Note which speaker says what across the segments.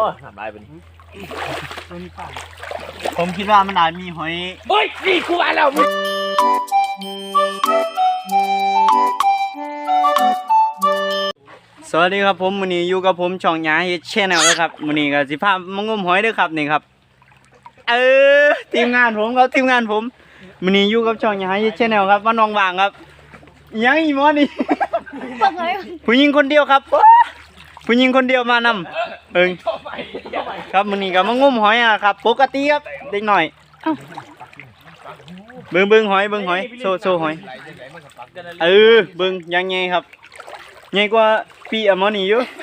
Speaker 1: ทำลายเป็น
Speaker 2: ผมคิดว่ามันอาจมีหอย
Speaker 1: เฮ้ยนี่กูมาแล้ว
Speaker 2: สวัสดีครับผมมื้อนี้อยู่กับผมช่องหยาเฮ็ดแชนแนลนะครับมื้อนี้ก็สิพามางมหอยเด้อครับนี่ครับทีมงานผมครับทีมงานผมมื้อนี้อยู่กับช่องหยาเฮ็ดแชนแนลครับว่าน้องว่างครับยังอีหมอนี่ ผู้หญิงคนเดียวครับผู้หญิงคนเดียวมานำครับมื้อนี้ก็มางมหอยครับปกติครับเด็กหน่อยเบิ่งหอยโซหอยเบิ่งยังไงครับใหญ่กว่าปีอะหมอนี่อยู่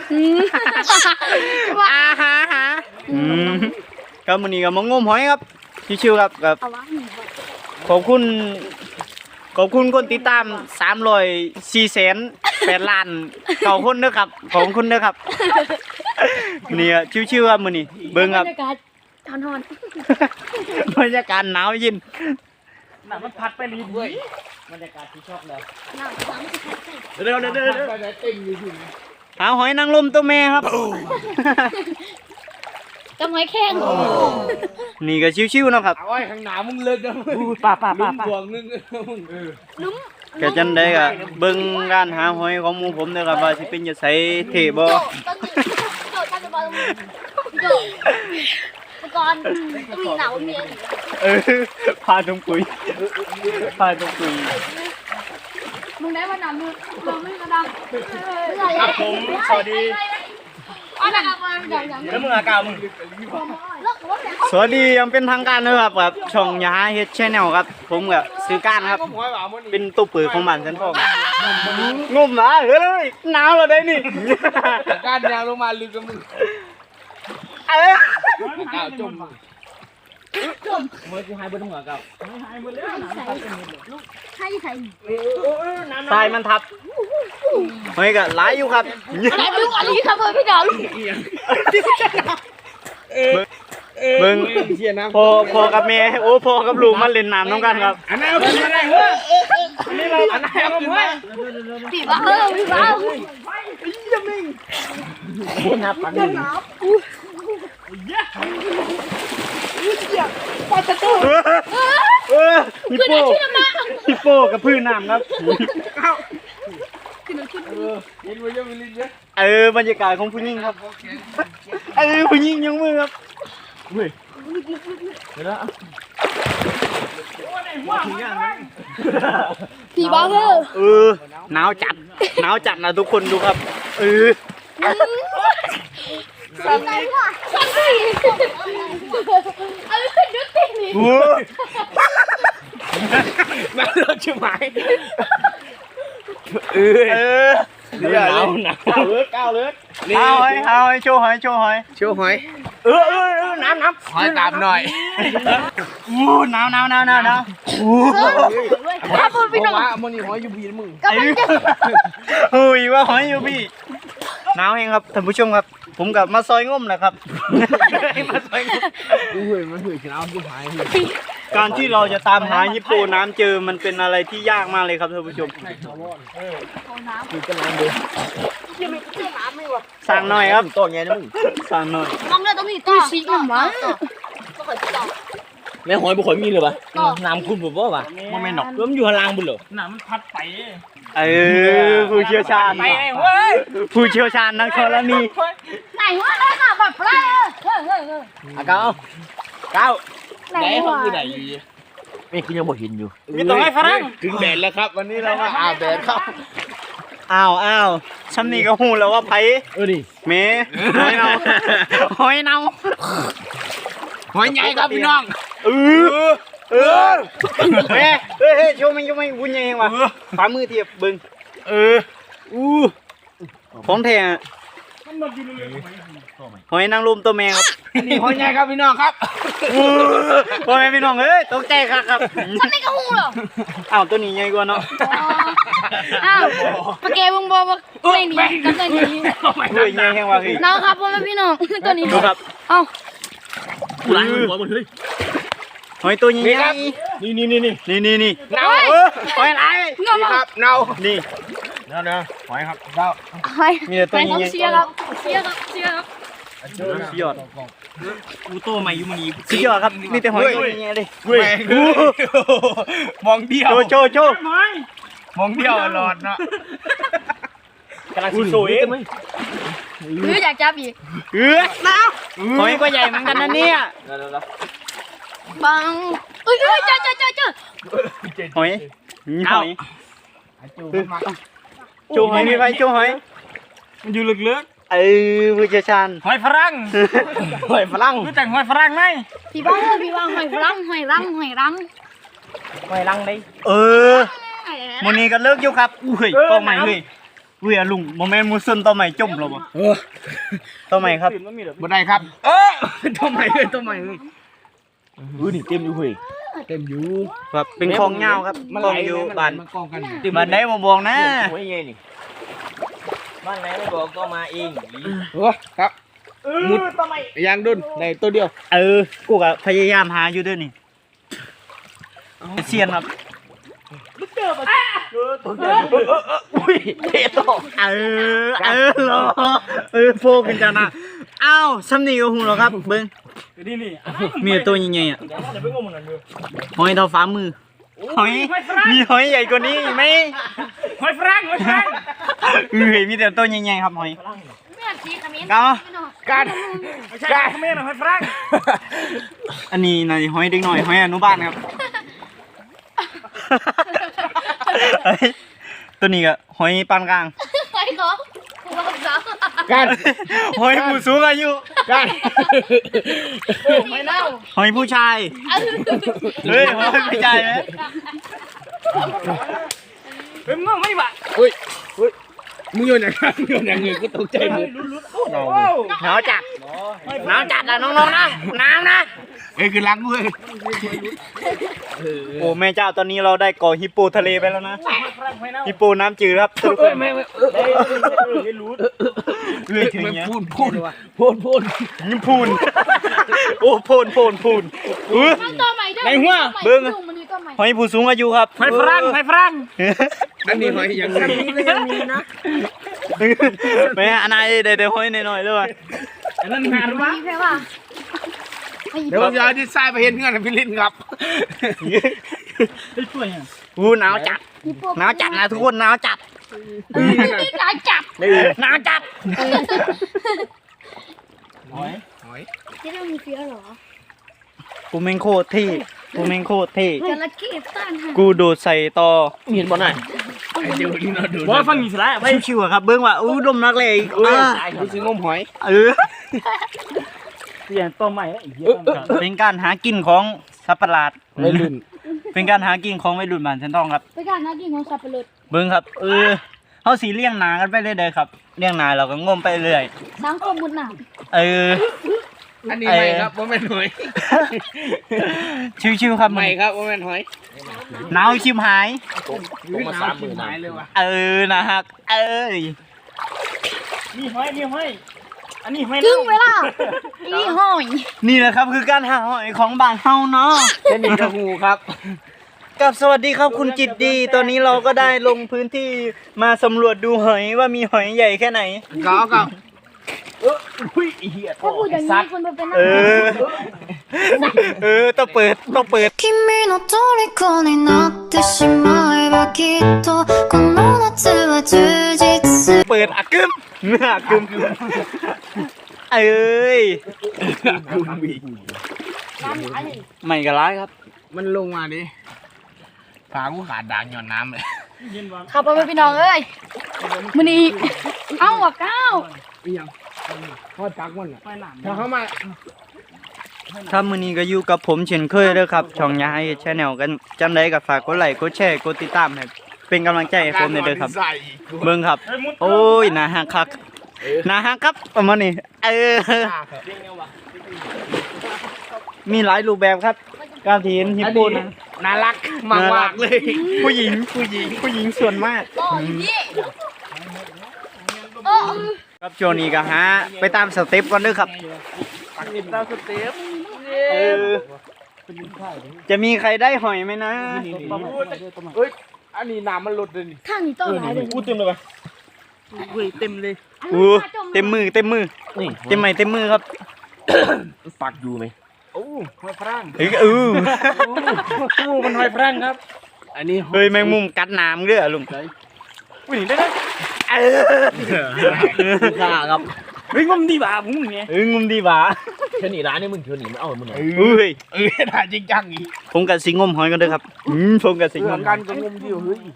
Speaker 2: หาครับมื้อนี้ก็มางมหอยครับชิวๆครับกับขอบคุณคนติดตาม304,800,000ล้าน9คนเด้อครับขอบคุณเด้อครับนี่ชิวๆครับมื้อนี้เบิ่งครับบรรยากาศทอนบรรยากาศหนาวเย็นน่ะมันพัดไปรีบเว้ยบรรยากาศที่ชอบเลยเร็วหาหอยนางรมตัวแม่ครับ
Speaker 3: กับหอยแข้ง
Speaker 2: นี่ก็ชิวๆเนาะครับ
Speaker 1: เอาไว้ข้างหน้ามึงเลยนะ
Speaker 2: ป้า
Speaker 1: บวงนึง
Speaker 3: ลุ้ม
Speaker 2: แกจันได้ก็เบิ่งการหาหอยของหมู่ผมเด้อครับว่าสิเป็นจะใส่เทบ่
Speaker 3: ก่อนต้องมีหนาวมี
Speaker 2: พาตรงปุ๋ย
Speaker 3: มึงได้ว่าหนาวมึงไม่กระดัง
Speaker 2: ครับผมสวัสดีแล้วมึงอากาศมึงสวัสดียังเป็นทางการนะครับแบบช่องยาเฮ็ดแชนแนลครับผมกับซื้อการครับเป็นตู้ปืนของบ้านฉันพ่องมนะเฮ้ยหนาวแล้วได้นี่
Speaker 1: การยาวลงมาลึกกับมึงก้าวจมเมื่อกี้หายบนหัวก้าวหายหมดแล้ว
Speaker 3: ใช่
Speaker 2: ทรายมันทับเฮ้ยก็หลายอยู่ครับ
Speaker 3: อะไรลูกอะไรครับพี่ดาว
Speaker 2: เบิ่งพ่อกับแม่พ่อกับลูกมาเล่นน้ำน้องกันครับ
Speaker 1: อันนั้นเป็นอะไรเฮ้ยนี่เราอันนั้นเอาไป
Speaker 3: พี่บ้าพี่บ้า
Speaker 1: บุญนับปัน
Speaker 2: ฮิปโป้กับพื้นน้ำครับบรรยากาศของผู้หญิงครับผู้หญิงยกมือครับ
Speaker 3: พี่บ้า
Speaker 2: หนาวจัดนะทุกคนดูครับ
Speaker 3: สั่งเลยว่ะสั่งเลยดูตินี่
Speaker 1: มาเลิกใช่ไหม
Speaker 2: หนาวก้าวเลิกเอาโชว์หอยน้ำ
Speaker 1: หอยตามหน่อย
Speaker 2: หนาว
Speaker 3: ครับพี่น้อง
Speaker 1: มันนี่หอยยูบีมึง
Speaker 2: ว่าหอยยูบีหนาวเองครับท่านผู้ชมครับผมกับมาซอยงมนะครับ
Speaker 1: มาซอยงมมันหืดขี้น้ำที่หาย
Speaker 2: การที่เราจะตามหาฮิปโปน้ำเจอมันเป็นอะไรที่ยากมากเลยครับท่านผู้ชมสั่งหน่อยครับ
Speaker 1: ตัวไงนะมึง
Speaker 2: สั่งหน่อย
Speaker 3: น้องเนี่ยต้องมีตัวสีอ่ะมั้ง
Speaker 1: แม่หอยบุคคลมีหรือเปล่าน้ำคุณผมว่าป่ะมันไม่หนอกมันอยู่ข้างล่างบุญเหรอ
Speaker 2: น้ำมันพัดไปผู้เชี่ยวชาญผู้เชี่ยวชาญนักธรณี
Speaker 3: ไหนวะเลยค่ะแบบไร
Speaker 1: เก้าไหนเขาคือไหนอยู่ไม่คือยังบ่เห็นอยู่
Speaker 2: มีตัวให้ฝรั่ง
Speaker 1: ถึงแดดแล้วครับวันนี้เรามาอาบแดดครับ
Speaker 2: อ้าวฉันนี่ก็หูแล้วว่าไผ่
Speaker 1: ดิ
Speaker 2: เมหอยเนาหอย
Speaker 1: ใหญ่ครับพี่น้อง
Speaker 2: เฮ้ยโชว์มันบุญใหญ่เองวะฝ่ามือเทียบบึงของแท้หอยนางรมตัวแมงครับ
Speaker 1: นี่หอยใหญ่ครับพี่น้องครับ
Speaker 2: พ่อแม่พี่น้องตกใจครับ
Speaker 3: ฉันไม่กระหูหรอ
Speaker 2: ตัวนี้ใหญ่กว่าเนาะ
Speaker 3: ปะเกมึงบอกว่าไม่หนีกันเลยหนี
Speaker 2: ใหญ่แห้งว่ะพี่
Speaker 3: น้องครับพ่อแม่พี่น้องตัวนี้
Speaker 2: ดูครับ
Speaker 1: หลายหัวหมดเลย
Speaker 2: หอยตัวใหญ่
Speaker 1: นี่
Speaker 2: เน่าหอยอะไร
Speaker 1: นี่ครับเน่า
Speaker 2: นี่
Speaker 1: หอยครับเน่า
Speaker 3: หอยมีแต่ตัวใหญ่เชียร์ครับ
Speaker 2: สุดยอด
Speaker 1: กูโตใหม่อยู่มันนี้
Speaker 2: สุดยอดครับนี่แต่หอยตัวใหญ่เลย
Speaker 1: เว้ยมองเดียว
Speaker 2: โชว์
Speaker 1: มองเดียวหลอดเนาะกำลังสวย
Speaker 3: หรืออยากจับอีก
Speaker 2: หอยก็ใหญ่เหมือนกันนะเนี่ย
Speaker 3: บังเอ้ยเจอ
Speaker 2: หอยหอยโชว์หอยนี่ไปโชว์หอย
Speaker 1: มันอยู่ลึก
Speaker 2: ผู้เชี่ยวชาญ
Speaker 1: ๆหอยฝรั่งหอยฝรั่งรู้จักหอยฝรั่งไหม
Speaker 3: พี่บ้าหอยรัง
Speaker 1: หอยรังเลย
Speaker 2: มื้อนี้ก็เลิกอยู่ครับอุ้ยต่อใหม่เฮ้ยลุงบ่แม่นหมูซึนต่อใหม่จมแล้วบ่ต่อใหม่ครับ
Speaker 1: บ่ได้ครับตัวใหม่เลยนี่เต็มอยู่เฮ้ยเต็มอยู่
Speaker 2: ครับเป็นคลองยาวครับคลองอยู่บ้าน
Speaker 1: กองกัน
Speaker 2: บ้านไหนบ่บอกนะ
Speaker 1: หอยใหญ่นี่บ้านไหนไม่บอกก็มาเองครับมุดยางดุนในตัวเดียว
Speaker 2: กูก็พยายามหาอยู่เด้อนี่เซียนครับ
Speaker 1: อุ้ยเทโต
Speaker 2: โฟกันจ้านะอ้าวซ้ำนี่ก็หูแล้วครับเบิ่งมีตัวใหญ่ๆอ่ะหอยเท่าฝ่ามือหอยมีหอยใหญ่กว่านี้อีกไหม
Speaker 1: หอยฝรั่ง
Speaker 2: มีแต่ตัวใหญ่ๆครับหอย
Speaker 3: ไม่อยากสีขมิ้น
Speaker 1: การเมนหอยฝรั่ง
Speaker 2: อันนี้นายหอยเด็กหน่อยหอยอนุบาลครับ ตัวนี้ก็หอยปานกลาง
Speaker 3: ใครเขาคุณว่าเขา
Speaker 1: การ
Speaker 2: หอยผู้สูงอายุ
Speaker 1: การ
Speaker 3: ไม่เล่า
Speaker 2: หอยผู้ชายเฮ้ยหอยผู้ชายไหม
Speaker 1: เป็นมึงไม่บ้ามึงโยนอย่างเงี้ยก็ตกใจมึงหนาวจัดนะน้องๆนะน้ำนะคือล้างมือ
Speaker 2: โอ้แม่เจ้าตอนนี้เราได้ก่อฮิปโปทะเลไปแล้วนะฮิปโปน้ำจืดครับสรุปเลยถึงเนี้ยพูนโอ้พูน
Speaker 3: มันตัวใหม่ด้วย
Speaker 2: ในหัวเบิ้ง
Speaker 3: มันมีตัวใหม่
Speaker 2: หอยผู้สูงอายุครับ
Speaker 1: หอยฝรั่งอันนี้หอยยังมีนะ
Speaker 2: แม่อันไหนเดี๋ยวหอยหน่อยๆด้วย
Speaker 1: อันนั้นหาหรือวะ
Speaker 3: มีแค่ว่า
Speaker 1: เดี๋ยวผมจะดีไซน์ไปเห็นเงื่อนพี่ลินครับ
Speaker 2: อู้หนาวจัดนะทุกคนหนาวจัด
Speaker 3: หนาวจับ
Speaker 2: หนาวจัด
Speaker 3: ที่ต้องมีเฟี้ยวเหรอ
Speaker 2: กูแม่งโคตรเท่
Speaker 3: จระเข้ต้านหัน
Speaker 2: กูโดดใส่ต่อ
Speaker 1: เห็นบ่หน่อยเดี๋ยวนี่เราดูว่าฟังมีสไลด์
Speaker 2: ชิวๆอะครับเบิ้งว่าอู้ดมนักเลย
Speaker 1: ดูสิงมหอย
Speaker 2: เปลี่ยนตัวใหม่แล้วเป็นการหากินของสัตว์ประหลาด
Speaker 1: ไม่ลื่น
Speaker 2: เป็นการหากินของวัยรุ่นบ้านฉันต้องครับ
Speaker 3: ไปการนักกินของสับปะรด
Speaker 2: เบิ้งครับเขาสีเลี้ยงนากันไปเรื่อยๆครับเลี้ยงนาเราก็งมไปเรื่อย
Speaker 3: สังคมมุดหนาม
Speaker 1: อันนี้ไม่ครับว่าเป็นหอย
Speaker 2: ชิวๆครับ
Speaker 1: ไม่ครับว่าเป็นหอย
Speaker 2: หนาวชิมหาย
Speaker 1: ผมมา30,000หายเลยว่ะ
Speaker 2: นะฮะ
Speaker 1: มีหอยอันนี้หอย
Speaker 3: ครึ่งเวลาอีหอย
Speaker 2: นี่แหละครับคือการหาหอยของบ้านเฮาเนาะ
Speaker 1: เป็นอีกกระหูครับ
Speaker 2: กับสวัสดีครับคุณจิตดีตอนนี้เราก็ได้ลงพื้นที่มาสำรวจดูหอยว่ามีหอยใหญ่แค่ไหน
Speaker 1: ก็อุ้ยเหี้ย
Speaker 3: ถ้าพูดอย่างนี้คนมาเป็นนัก
Speaker 2: ต้องเปิด
Speaker 4: 君の虜になってしまえばきっとこの夏は充実する
Speaker 2: เปิดอักกึมเนื้ออักกึมไม่กระไรครับ
Speaker 1: มันลงมาดิขากูขาดด่างหย่อนน้ำเลย
Speaker 3: ขับไปพี่น้องเอ้ยมันนี่เอ้าว่ะก้าว
Speaker 1: พอจักมันอ่ะถ้าเข้ามา
Speaker 2: ครับมื้อนี้ก็อยู่กับผมเช่นเคยเด้อครับช่องยาให้แชนแนลกันจำได้ก็ฝากกดไลค์กดแชร์กดติดตามให้เป็นกำลังใจให้ผมเด้อครับเบิ่งครับ โอ้ยน่าฮักคักน่าฮักครับประมาณนี้มีหลายรูปแบบครับ การที่เห็นฮิปโปนะ
Speaker 1: น่ารักมากเลย
Speaker 2: ผู้หญิงส่วนมาก
Speaker 3: โอ้ยพี่โอ้
Speaker 2: ครับช่วงนี้ก็หาไปตามสเต็ปก่อนเด้อครับ
Speaker 1: ติดตามสเต็ป
Speaker 2: จะมีใครได้หอยไหมนะ
Speaker 1: เฮ้ยอันนี้น้ำมันลดเลยนี่
Speaker 3: ข้างนี้ต้นอะไรเลย
Speaker 1: พูดเต็มเลยปะเฮ้ยเต็มเลย
Speaker 2: อู้เต็มมือเต็มมือ
Speaker 1: นี่
Speaker 2: เต็มไม้เต็มมือครับ
Speaker 1: ปักอยู่ไหมโอ้หอยฝรั่ง
Speaker 2: เฮ้ย
Speaker 1: มันหอยฝรั่งครับ อันนี้
Speaker 2: เฮ้ยแมงมุมกัดน้ำเด้อลุง
Speaker 1: วิ่งได้ไหม
Speaker 2: ข้าครับ
Speaker 1: เฮ้ยงมดีบ่ามึงไง
Speaker 2: งุมดีหว่า
Speaker 1: เชิญหนีร้านนี่มึงเชิญหนีไม่เอามึงหน่อย
Speaker 2: เฮ้ย
Speaker 1: ถ่ายจริงจังอีก
Speaker 2: ผมกับสิงมหอยกันเด้อครับผมกับสิง
Speaker 1: เพื่
Speaker 2: ม
Speaker 1: อนกันก็งมดีเฮ้ย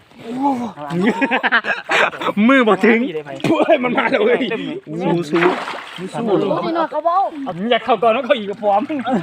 Speaker 2: มือบ่ถึง
Speaker 1: เฮ้ยมันมาแล้วเฮ้ย
Speaker 2: สู้สู้
Speaker 1: สู้เลย
Speaker 3: นี่หน่อยเขาบอก
Speaker 1: อยากเข้าก่อนแล้วเขาอีกกับพร้อม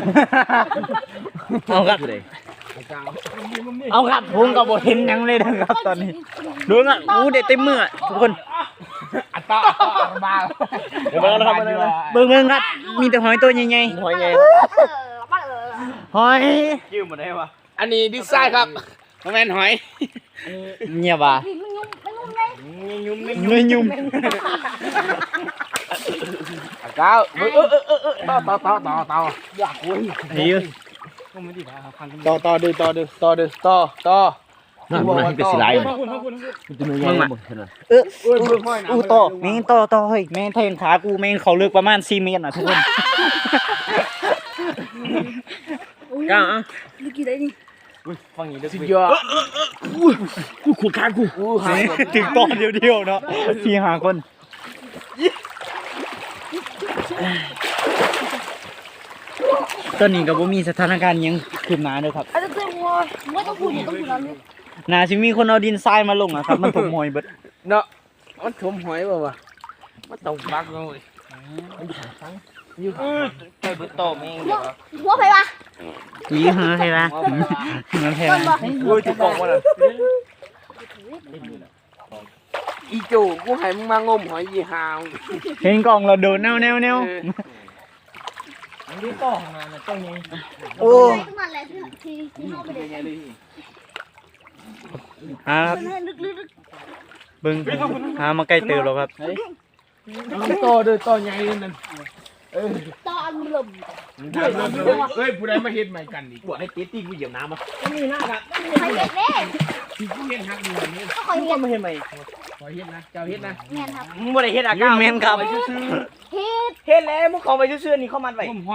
Speaker 2: เอาครับเอาครับผมกับบ่เห็นหยังเลยนะครับตอนนี้ดูอ่ะอู้ได้เต็มมืออะทุกคน
Speaker 1: อัตตาบ้าเดี๋ยวมาแล้วครับ
Speaker 2: เบิ่งครับ มีแต่หอยตัวใหญ่
Speaker 1: หอยไง
Speaker 2: ๆหอย
Speaker 1: ยืมมาได้ปะอันนี้ดิไซน์ครับแมนหอย
Speaker 2: เงียบว่ะ
Speaker 1: ยุ่ม
Speaker 2: เงยยุ่ม
Speaker 1: ก้าวต่ออยากคุย
Speaker 2: เฮ้ย
Speaker 1: ต่อมันเป็นสไลด์มึงมา
Speaker 2: อู้ต่อแม่งต่อเฮ้ยแม่งแทงขากูแม่งเขาเลือกประมาณ4 เมตรนะทุกคน
Speaker 1: ก้าว
Speaker 3: ลูกกี่ได้นี่
Speaker 1: ฟังอย่างนี้สุดยอดกูขู่ขากู
Speaker 2: ถึงตอนเดียวๆเนาะ4-5 คนตอนนี้ก็บ่มีสถานการณ์หยังขึ้นมาเด้อครับ
Speaker 3: อาจจะเจอวัวไม่ต้องพูดต้องพูดแล้วนี่
Speaker 2: น่าสิมีคนเอาดินทรายมาลงอะครับ มันถมหอยเบิด
Speaker 1: เนาะมันถมหอยป่าวะมันตกบักเลยอยู่ไปเบิดโตแม่ง
Speaker 3: วัวใครวะ
Speaker 2: ยี่ห้อใช่ปะมันแพง
Speaker 1: โอ้ยจุกกองมาเลยอีโจกูให้มึงมางมหอยยี่หาว
Speaker 2: เห็นกล่องเราโดนแนว
Speaker 1: อันนี้ต่อมาเจ้านี้
Speaker 2: โอ้
Speaker 3: ขึ้นมาแล้วที่เข้าไปเลย
Speaker 2: ครับ
Speaker 3: ลึก
Speaker 2: เบิ่งหามาใกล้เติบแล้วครับ
Speaker 1: ต่อเด้อต่อใหญ่นั่น
Speaker 3: ๆตอนลม
Speaker 1: เฮ้ยผู้ใดมาเฮ็ดใหม่กันอีกปวดให้ตีตี้กูเหยียบน้ำมานี่น่าครับ
Speaker 3: ใครเห็ดเล่
Speaker 1: ที่กูเฮ็ดฮักดีนี่
Speaker 3: ก็คอยเห็ด
Speaker 2: มาเห็นไหม
Speaker 1: ขอเฮ็ดนะเจ้าเฮ็ดนะ
Speaker 3: แม่ครับ
Speaker 2: มึงบ่ได้เฮ็ดอ่ะก้าวแม่นครับ
Speaker 3: เห็ด
Speaker 2: เฮ็ดแล้วมึงเข้าไปซื่อๆนี่เข้ามันไว้
Speaker 1: ผมหอย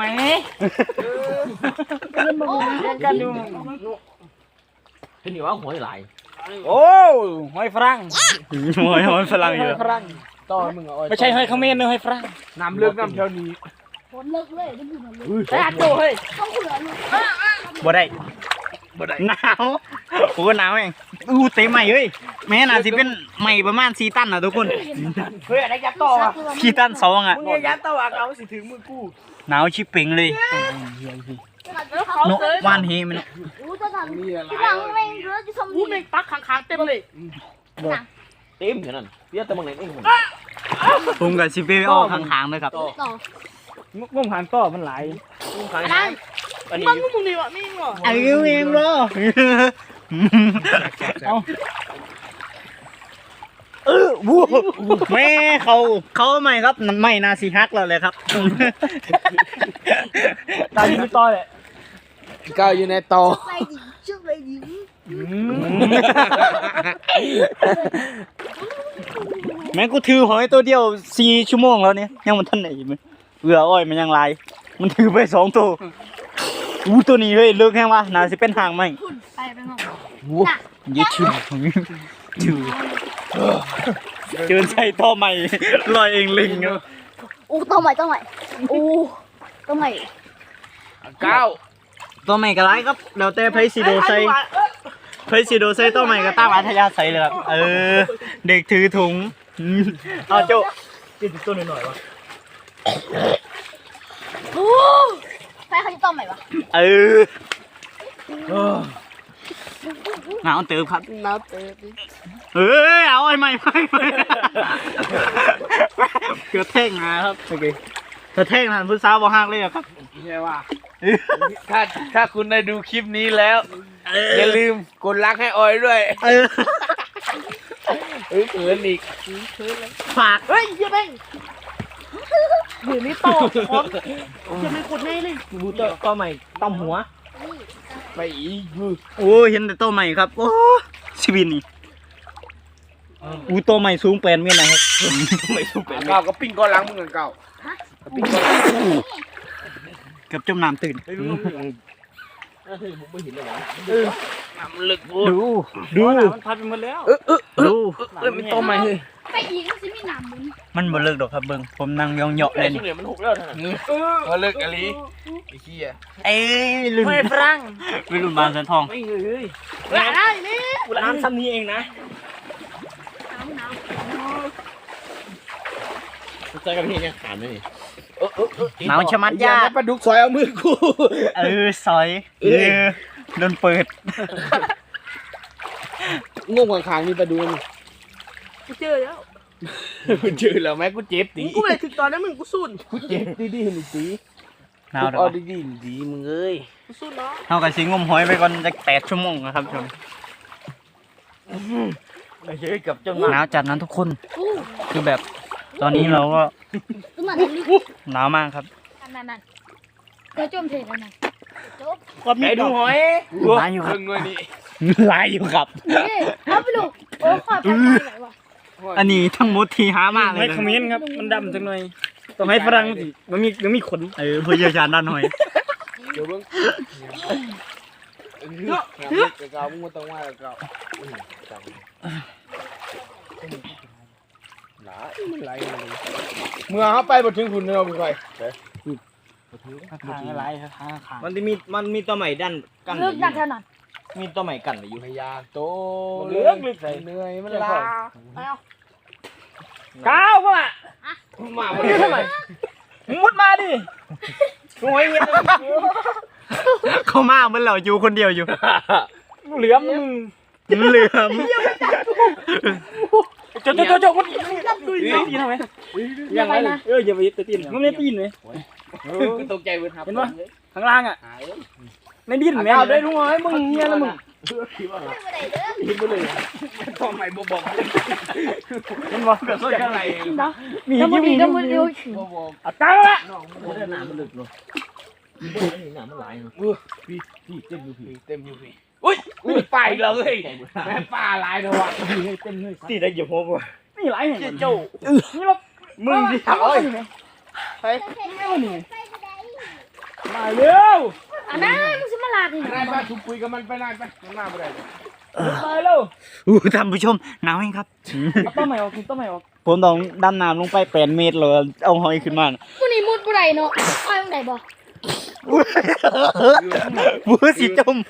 Speaker 2: กันดู
Speaker 1: เห็นนี่ว่าหอยหลาย
Speaker 2: โอ้หอยฝรั่งหอยฝรั่งอยู่
Speaker 1: ฝรั่งต่อมึงเอา
Speaker 2: ไม่ใช่หอยเขมรนะหอยฝรั่ง
Speaker 1: น้ำเลือกน้ำแถวนี้
Speaker 3: ฝนเลิกเลยจะพูดมันเลย
Speaker 1: แต่โตเฮ้ย
Speaker 3: ต้องเหลือลูก
Speaker 2: บ่ได้
Speaker 1: บ่ได้
Speaker 2: หนาวโอ้หนาวเองอู้เต็มใหม่เฮ้ยแม่น่าสิเป็นใหม่ประมาณ4 ตันนะทุกคน
Speaker 1: เฮ้ยอะไรยัดต่ออ่ะ
Speaker 2: 4 ตัน2อ่ะ
Speaker 1: มึงอย่ายัดต่ออ่ะเอาสิถึงมือกู
Speaker 2: หนาวชิบเป่งเลยนกว่านเฮมัน
Speaker 3: อู้จะทำที่หลังแม่งเยอะจะทำ
Speaker 1: กูแม่งปักค้างๆเต็มเลยเต็มอย่างนั้นเดี๋ยวแต่มึงไหนเอง
Speaker 2: ผมกับชิเป้ออกข้างๆเลยครับ
Speaker 3: ต่อ
Speaker 2: งมหางต่อมันหลาย
Speaker 3: นั่น
Speaker 1: อันนี้
Speaker 3: มึงนี่วะนี่วะ
Speaker 2: ไอ้เองเหรอวู้แม่เขาใหม่ครับไม่นาซีฮักเราเลยครับ
Speaker 1: ตายอยู่ต่อเลยก้าวอยู่ในต่อ
Speaker 3: ไปดิชื่อไปดิ
Speaker 2: แม่กูถือหอยตัวเดียว4 ชั่วโมงแล้วเนี่ยยังมันทันไหนมั้ยเบื่ออ้อยมันยังลายมันถือไป2 ตัวอู้ตัวนี้เฮ้ยเลิกแห้งวะน่าสิเป็นหางไหม
Speaker 3: ไปห้อง
Speaker 2: ยึดชื่อเจินใส่ท่อใหม่ลอยเองลิงครับ
Speaker 3: อู้ต้องใหม่อู้ต้องใหม่
Speaker 1: ก้าว
Speaker 2: ตัวใหม่ก็ไรครับเดี๋ยวแต่ไพซิโดใส่ตัวใหม่ก็ตั้งอัธยาศัยเลยครับเด็กถือถุงเอาโจ้กินตัวหน่อยวะ
Speaker 3: อู้ใครเขาจะต้องใหม่วะ
Speaker 2: หนาวเติบครับ
Speaker 3: น้ำเตะ
Speaker 2: เอาไอ้ใหม่เกือบแท่งมาครับโอเคถ้าแท่งหันพุทธสาวบ่ฮักเลยครับ
Speaker 1: ใช่ว่าถ้าคุณได้ดูคลิปนี้แล้วอย่าลืมกดไลค์ให้ออยด้วยเขินอีก
Speaker 2: ฝาก
Speaker 3: เฮ้ยยังไงเดี๋ยวนี้ต่อจะไม่กดแน่เลย
Speaker 2: บูตัวใหม่ต้มหัว
Speaker 1: ไปอีก
Speaker 2: โอ้เห็นแต่ตัวใหม่ครับโอ้ชีวิตนี่อูโตใหม่สูง8 เมตรนะครับ
Speaker 1: ไม่สู้เป็นเก่าก็ปิ้งก้อนล้างมึงกันเก่าปิ้งก้อนล้าง
Speaker 2: เกือบจมน้ำตื่น
Speaker 1: น้ำลึก
Speaker 2: ดู
Speaker 5: มันพัดไปหมดแล้ว
Speaker 2: ดู
Speaker 1: มันต้มไหมเฮ้ย
Speaker 3: ไปอีกมันสิมีน้ำมึง
Speaker 2: มันบ่เลิกดอกครับเบิ่งผมนั่งยองเหยาะเลยนี่
Speaker 5: มันหกแล้วท่าน
Speaker 1: ว่าเลิกอะไรไอ้ขี้อ่ะ
Speaker 2: เอ้ยลืม
Speaker 5: ไม่ฝรั่ง
Speaker 2: ไม่ลืมบานแสนทอง
Speaker 5: ไม่เฮ้ย
Speaker 3: ได้นี่
Speaker 5: น้ำซ้ำนี้เองนะ
Speaker 1: ใจกับพี่เนี่ยขาดไหม
Speaker 2: หนาวชะมัดยาก
Speaker 1: ปลาดุกซอยเอามือกู
Speaker 2: ซอยโดนเปิด
Speaker 1: งงข้างๆนี่ปลาดุก
Speaker 5: กูเจอแล้ว
Speaker 1: มันชื่อแล้วแม่กูเจ็บตี
Speaker 5: กูเลยถึงตอนนั้นมึงกูสู้
Speaker 1: กูเจ็บดีๆนี่ตี
Speaker 2: หนาวเด้
Speaker 1: เอา
Speaker 2: อ
Speaker 1: ดีๆดีมึงเอ้ย
Speaker 5: กูสู้เนาะ
Speaker 2: เฮาก็สิงมหอยไปก่อนจัก8 ชั่วโมงนะครับชม
Speaker 1: ไอ้เฮ้ยกับเจ้า
Speaker 2: หนาวจัดนั้นทุกคน
Speaker 3: อู้
Speaker 2: คือแบบตอนนี้เราก็
Speaker 3: ดูมันลึก
Speaker 2: หนาวมากครับ
Speaker 3: นั่นเธอจมเทแล้วนะจบ
Speaker 5: ไอ้ดูหอย
Speaker 2: หลายอยู่ครับ
Speaker 1: เงินนี่
Speaker 2: หลายอยู่ครับ
Speaker 3: นี่เอาไปดูโอ้ขอไปไหนวะ
Speaker 2: อันนี้ทั้งหมดที่หามาเล
Speaker 5: ไม่
Speaker 2: ยนะ
Speaker 5: คอมเมนต์ครับมันดำจังหน่อยต้องให้ฝรั่งสิมันมีขน
Speaker 2: ผู้เชี่ยวชาญด้านหอย
Speaker 1: เดี๋ยวเบิ่งเก่ามึงมาต้องว่าเก่าหลายมันไหลเลยเมื่อเขาไปบ่ถึงคุณเราไป
Speaker 5: ขางอะไรครับขาง
Speaker 2: มันมีตัวใหม่ด้านกัน
Speaker 3: ลึกนั่นเท่านั้น
Speaker 2: มีตัวใหม่กันอยู่
Speaker 1: พยาโต
Speaker 5: เลือกใส่
Speaker 1: เหนื่อยมันลา
Speaker 3: ไปเอา
Speaker 5: ก้าวเข้ามา
Speaker 1: มา
Speaker 5: มึงยืนทำไมมึงมุดมาดิหอยเงี้ย
Speaker 2: เขามาเหมือนเราอยู่คนเดียวอยู่
Speaker 5: เหลือมมึง
Speaker 2: เหลือม
Speaker 5: โจมันตีนทำไมยังไงอย่าไปตีนมันไม่ตีนเลย
Speaker 1: ก็ตกใจเว้ยครับ
Speaker 5: เห็นปะข้างล่างอ่ะในดินแม่เอาได้รู้ไหมมึงเงี้ยนะมึง
Speaker 1: ทำไมบ่บอก
Speaker 5: เห็นปะ
Speaker 1: แบบอะไร
Speaker 3: เนาะ
Speaker 5: มี
Speaker 3: แล้วมันดีแล้วมันดี
Speaker 1: บ่บอก
Speaker 5: เอาตั้งละ
Speaker 1: หนามันลึกเนาะหนามันหลายเนาะพี่เต็มอยู่พี่เต็มอยู่พี่อุ้ยไปเลยแม่ป่าหลายเนาะ
Speaker 5: เต็มเลย
Speaker 2: ตีได้เหยียบหัวกู
Speaker 5: นี่ไรเห็นเจ้านี่เรา
Speaker 2: มึงดิ
Speaker 5: เอ้ยมาเร็ว
Speaker 3: อันนั้นมึงสิมาลาดิ
Speaker 1: ได้ป่ะชุบคุยกับมันไปได้ป่ะมันมาบ่ได้
Speaker 5: มาเร็ว
Speaker 2: ท่านผู้ชมหนาวเองครับ
Speaker 5: ต้นใหม่ออกต้นใหม่ออก
Speaker 2: ผมต้องดำน้ำลงไป8 เมตรเลยเอาหอยขึ้นมา
Speaker 3: ผู้นี้มุดบ่ได้เนาะไปตรงไหนบ่
Speaker 2: บูสิจม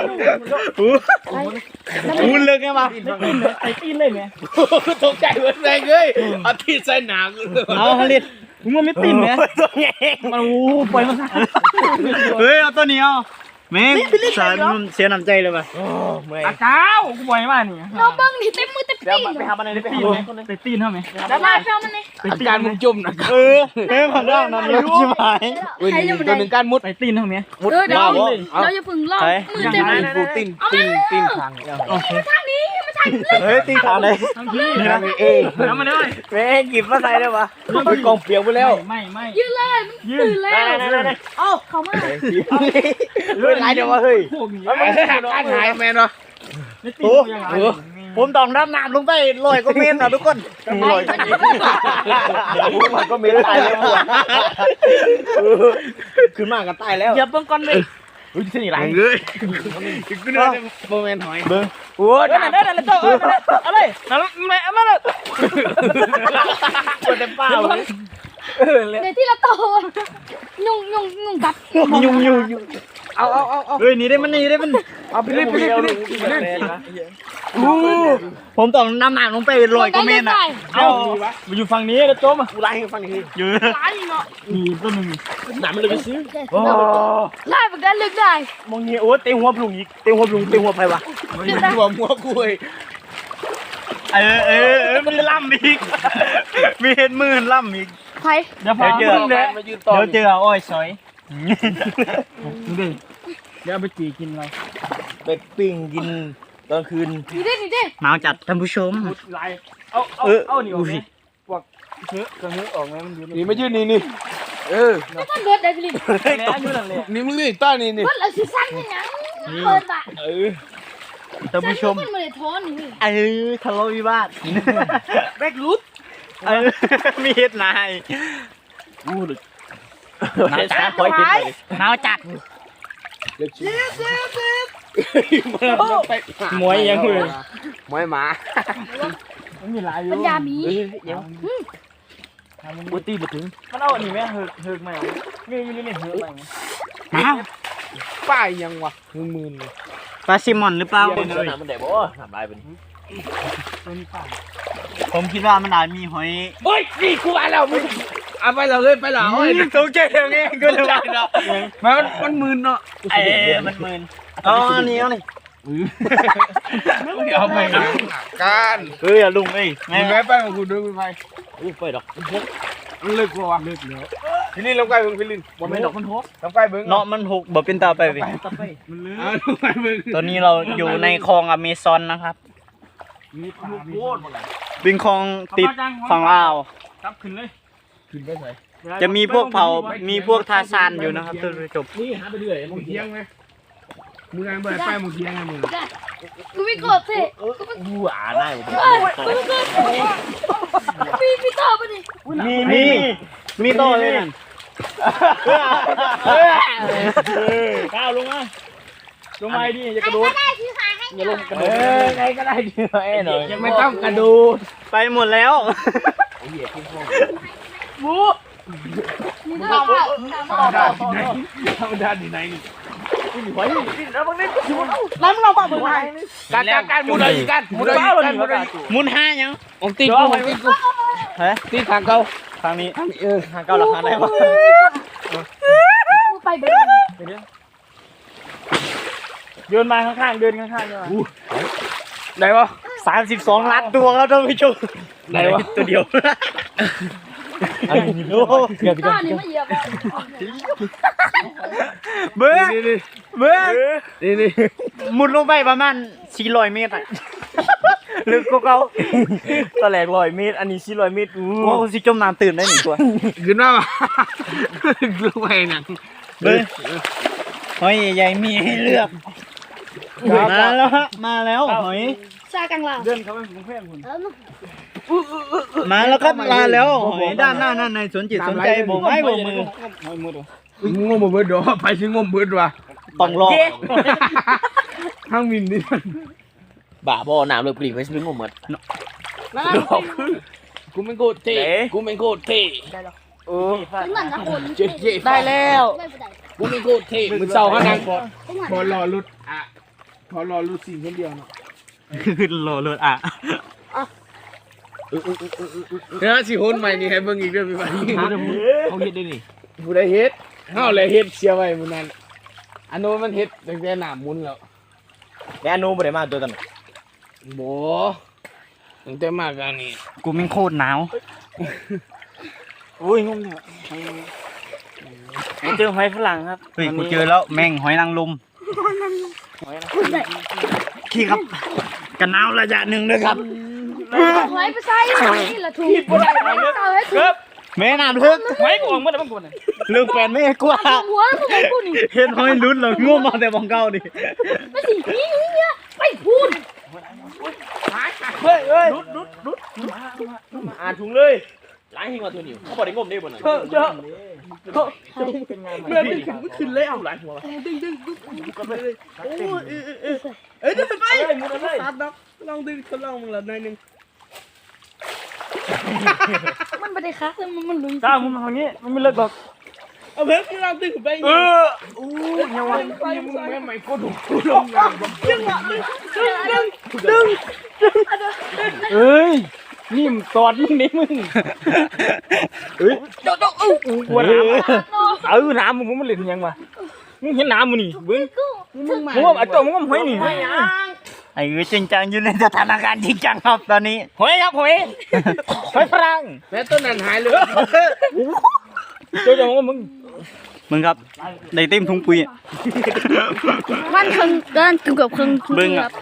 Speaker 2: บูเลิกไงมา
Speaker 5: ไอ้ตีนเลยไหม
Speaker 1: ตกใจเว้ยแรงเอ้ยเอาที่ใส่หนัง
Speaker 2: เอาฮลิต
Speaker 5: มึงมันไม่ตีนไหม
Speaker 2: ตัวใหญ่
Speaker 5: มันโอ้ปล่อยมัน
Speaker 2: เฮ้ยเอาตัวนี้เอาแม่งสารมันเสียน้ำใจเลยป่ะ
Speaker 5: อาเจ้ากูปล่อยมานี่
Speaker 3: น้องเบิ่งนี่เต็มมือเต็มตีน
Speaker 5: ไปหาบันไดตีนไหมไปตีนเท่าไหม
Speaker 3: แล้วมาเจ้ามันนี่
Speaker 1: อาการมึงจมนะ
Speaker 2: เออแม่งของเรานั่นเลยชิบหาย
Speaker 1: เว้ยนี่ตัวหนึ่งการมุด
Speaker 5: ไปตีนเท่าไหม
Speaker 3: เดี๋ยวเราอย่าพึ่งรอมือเต็ม
Speaker 1: ปูตีนทาง
Speaker 3: ทางนี้มาทางนี้
Speaker 2: เฮ้ยตีขาเลย
Speaker 5: ทั้งที่
Speaker 1: ทางเอ
Speaker 5: ทำมาได้
Speaker 2: แม่งหยิบมาใส่ได้ปะ
Speaker 1: กองเปียกไปแล้ว
Speaker 5: ไม่
Speaker 3: ยืนเลยมันตื่นแล้วเอ้าเข้ามา
Speaker 2: เฮ้ยไรเดี๋ยววะเฮ้ย
Speaker 5: พวกนี้
Speaker 1: การหายแมนเนาะ
Speaker 5: ไม่ตีนยังไง
Speaker 2: ผมต้องดำน้ำลงไป100 กว่าเมตรนะทุกคน100
Speaker 1: มันก็มีตายแล้ว
Speaker 2: ขึ้นมากันตายแล้ว
Speaker 5: อย่าเบิ่งก่อนเลย
Speaker 1: อุ้ยที่นี่ไรเลยกูเนี่ยโมเมนต์หอยโอ้ย
Speaker 5: นั่นนั่นนั่นเจ้าอะไรนั่นไม่มาเลย
Speaker 1: กูจะป้าเลย
Speaker 3: ในที่ละโตยุ่งกัด
Speaker 2: ยุ่งเอาเฮ้ยนี่ได้มัน
Speaker 1: เอาไปเล่น
Speaker 2: ผมต้องนำน้ำลงไป100 กว่าเมตรนะ
Speaker 5: เอามาอยู่ฝั่งนี้แล้วโจม
Speaker 1: กูไล่ให้ฟังที
Speaker 2: อยู่
Speaker 3: ตายเนาะ
Speaker 5: นี่ต้นนึง
Speaker 1: หนามันเลยไปซื้อ
Speaker 3: ไล่แบบนั้นลึกได้
Speaker 2: มองนี้โอ้เตะหัวปลุงอีกเตะหัวไผวะ
Speaker 1: หัวกูเลย
Speaker 2: มันล่ำอีกมีเห็นมือล่ำอีก
Speaker 3: ไผ
Speaker 5: เดี๋ยวพา
Speaker 2: เดี๋ยวเจออ้อยซอย
Speaker 5: เดี๋ยวไปจีกินอะไร
Speaker 1: ไปปิ้งกินตอนคืน
Speaker 3: นี่ดิ
Speaker 2: หนาวจัดท่านผู้ชม
Speaker 5: ไล่เอานี่ออกไหมพวกเนื้อกระเนื้อออกไหมมันอยู่
Speaker 1: นี่ไม่ยืนนี่
Speaker 3: มันเบิดได้สิ
Speaker 5: แล้วอยู่นั่นเลย
Speaker 1: นี่มึงนี่ต้านี่
Speaker 3: เบิดแล้วสิสั่นยังเปิดบ่
Speaker 2: ท่านผู้ชม
Speaker 3: มันไม่ได้ท้อนนี่
Speaker 2: ทะเลาะวิวาท
Speaker 5: แบกรุด
Speaker 2: มีเฮ็ดนาย
Speaker 1: หนาวจัดคอยเห็นเลย
Speaker 2: หนาวจัด
Speaker 5: มวยยังเลย
Speaker 1: มวยหมา
Speaker 5: มันมีหลายอยู่
Speaker 3: ปัญญามี
Speaker 1: เดี๋ยว
Speaker 5: บุตีบุถึงมันเอาอันนี้ไหมเฮิกไหมนี่เฮิกไหม
Speaker 2: หนาว
Speaker 1: ป้ายยังวะมืนเลย
Speaker 2: ปลาซิมอนหรือเปล่า
Speaker 1: เดี๋ยวมันเดี๋ยวบ่ทำลายเป็น
Speaker 2: ผมคิดว่ามันอาจมีหอย
Speaker 1: เฮ้ยนี่กูมาแล้วมึงเอาไปเราเลยไปหลัง
Speaker 2: ตกใจเองก็เลยว่าเนาะ
Speaker 1: มันมืนเนาะ
Speaker 2: มันมึนอ๋อนี่เอานี่
Speaker 1: เอาไปการ
Speaker 2: อย่าลุงเอ้ย
Speaker 1: มึงไปกับกูด้วยมึงไปไปดอกมันเลิกกูวะเลิกแล้วทีนี้ลงไปมึงไปลิน
Speaker 5: บ่ไม่ดอกมันทบ
Speaker 1: ลงไปมึง
Speaker 2: เนาะมันหกบ่เป็นตาไปเว้ย
Speaker 5: มันลืม
Speaker 1: เอาลงไปมึง
Speaker 2: ตอนนี้เราอยู่ในคลองอเมซอนนะครับ
Speaker 5: มีปลาโคตร
Speaker 2: เป็นคลองติดฝั่งลาว
Speaker 5: จับขึ้นเลย
Speaker 1: ขึ้นไปไหน
Speaker 2: จะมีพวกเผามีพวกทาซานอยู่นะครับท่านผู้ชม
Speaker 5: นี่หาไปเรื่อย
Speaker 1: มึงเที่ยงไหมมึงงานไปไปมึงเที่ยงไงมึง
Speaker 3: กูไม่กดสิ
Speaker 1: กูอ่านได้ผม
Speaker 3: มีต่อปะนี่
Speaker 2: มีโตเลยนั่น
Speaker 5: ก้าวลงมาลงมาดิอย่ากระโดดอย่าลงกระโดด
Speaker 1: ไงก็ได้ดีไอ้หน่อยไม่ต้องกระโดด
Speaker 2: ไปหมดแล้ว
Speaker 3: มีต่อปะ
Speaker 1: ธรรมดาดีไหนนี่ การมุดอะไรกันมุดอะไรกันมุดอะไร
Speaker 2: มุนห้ายัง
Speaker 1: ผมตีกูผมตีกู
Speaker 2: เฮ้ย
Speaker 1: ตีทางเขา
Speaker 2: ทางนี้ทางเก้าหลักฐานได้ปะ
Speaker 3: มึงไปเบน
Speaker 5: เดินมาข้างๆเดินข้างๆเนี่ย
Speaker 1: ไหนวะ
Speaker 2: 32 ล้านตัวครับท่านผู้ชม
Speaker 1: ไหนวะ
Speaker 2: ตัวเดียว
Speaker 3: ก้านี่มาเหยียบ
Speaker 2: เบิ้ง
Speaker 1: นี่นี่
Speaker 2: เบิ้ง
Speaker 1: นี่นี่
Speaker 2: มุดลงไปประมาณ400 เมตรอ่ะลึกกว่าเขา
Speaker 5: ตะแหลก100 เมตรอันนี้400 เมตร
Speaker 2: โอ้สิจมน้ำตื่นได้หนึ่งตัว
Speaker 1: ขึ้นมาลงไปนั่ง
Speaker 2: เบิ้งหอยใหญ่ๆมีให้เลือกมาแล้วฮะมาแล้วหอย
Speaker 3: ซากังลา
Speaker 5: เดินเข้าไปผมเพื่อนคุณ
Speaker 2: มาแล้วครับมาแล้วหอยด้านหน้านั่นในสนจิตสนใจโบกไม้โบกมือ
Speaker 1: งมเบิดดอไปสิงมเบิดว่ะ
Speaker 2: ต้องรอ
Speaker 1: ทั้งมินนี่
Speaker 6: บ้าบ่น้ำเลยปรีไปซื้องมหมด
Speaker 1: กูไม่โกรธเท่กูไม่โกรธเท่
Speaker 3: ถึงนั่นนะคน
Speaker 1: เจ๊เจ๊
Speaker 2: ได้แล้ว
Speaker 3: ไม่ได้
Speaker 1: กูไม่โกรธเท่มึงเศร้าขนาดพอรอรุดอ่ะพอรอรุดสิ่งคนเดียวเนาะ
Speaker 2: ขึ้นรอเลยอ่ะ
Speaker 1: เนี่ยสิโหนใหม่นี่ให้เบิ่งอีกเด้อพี่บ้าน
Speaker 6: เขาเฮ็ดได้นี่
Speaker 1: ผู้ใดเฮ็ดเฮาเลยเฮ็ดเสียไว้มื้อนั้นอันโน้นมันเฮ็ดตั้งแต่หน้ามุนแล้ว
Speaker 6: แล้วอนุบ่ได้มาตัวนั้น
Speaker 1: บ่ตั้งแต่มากันนี่
Speaker 2: กูแม่งโคตรหนาว
Speaker 5: โอ้ยงงเนี่ยเจอหอยฝรั่งครับ
Speaker 2: เฮ้ยกูเจอแล้วแม่งหอยนางรมขี้ครับกันหนาวระยะหนึ่งเลยครับ
Speaker 3: หอยไปใส่นี่ละถูกเอาให้ถูก
Speaker 2: แม่น้ำลึก
Speaker 5: หอยกูออกมาแล้วมันกูน่ะ
Speaker 2: เรื่องแฟนไม่กลัว
Speaker 3: หัวมึงกูนี่
Speaker 2: เห็นหอยลุ้นเลยง่วงมาแต่บองเก้าดิ
Speaker 3: ไม่สินี่เนี่ยไปพูด
Speaker 6: อ่านถุงเลยล้างหิ้งมาตัวนี้เขาบ่ได้งมได้บ่น่ะ
Speaker 5: เยอะเป็นไง
Speaker 6: เมื่อนี่ขึ้นเลยเอาหลายหัว
Speaker 3: มันไม่ได้คักเลยมันลุย
Speaker 5: ก้าวมึงทางนี้มันไม่เลิกหรอก
Speaker 1: เอาเพิ่นคือเราตึ้งไป
Speaker 5: ยังวะ
Speaker 1: มึงแม่กูถูกกูลงงาน
Speaker 5: เอ้ยนี่มตอดมึงนี่มึงเฮ้ยกลัวน้ำน้ำมึงมันเล่นยังวะมึงเห็นน้ำมึงนี่เบิ้งมึงว่าไอ้ตัวมึงก็หอยนี่
Speaker 2: ไอ้จริงจังอยู่ในสถานการณ์จริงจังครับตอนนี้
Speaker 5: หอยครับหอยฝรั่ง
Speaker 1: แม่ต้นนั้นหายเลย
Speaker 5: เจ้าของมึง
Speaker 2: มึงครับได้เต็มถุงปุ๋ย
Speaker 3: มันครึ่งเกินเกือบครึ่ง
Speaker 2: เบิ้งอ่ะ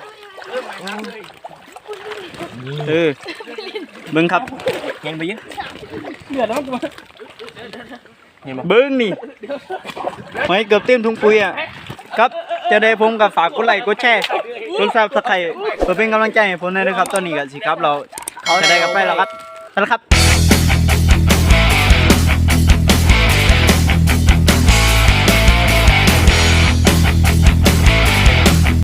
Speaker 2: เบิ้งครับ
Speaker 6: เห็นไปเยอะ
Speaker 5: เดือดแล้วมัน
Speaker 2: เบิ้งนี่หอยเกือบเต็มถุงปุ๋ยอ่ะครับจะได้ผมกับฝากกดไลค์กดแชร์กดซับสไครต์เพื่อเป็นกำลังใจให้ผมด้วยนะครับตอนนี้ก็สิครับเราจะได้กลับไปแล้วครับไปแล้วครับ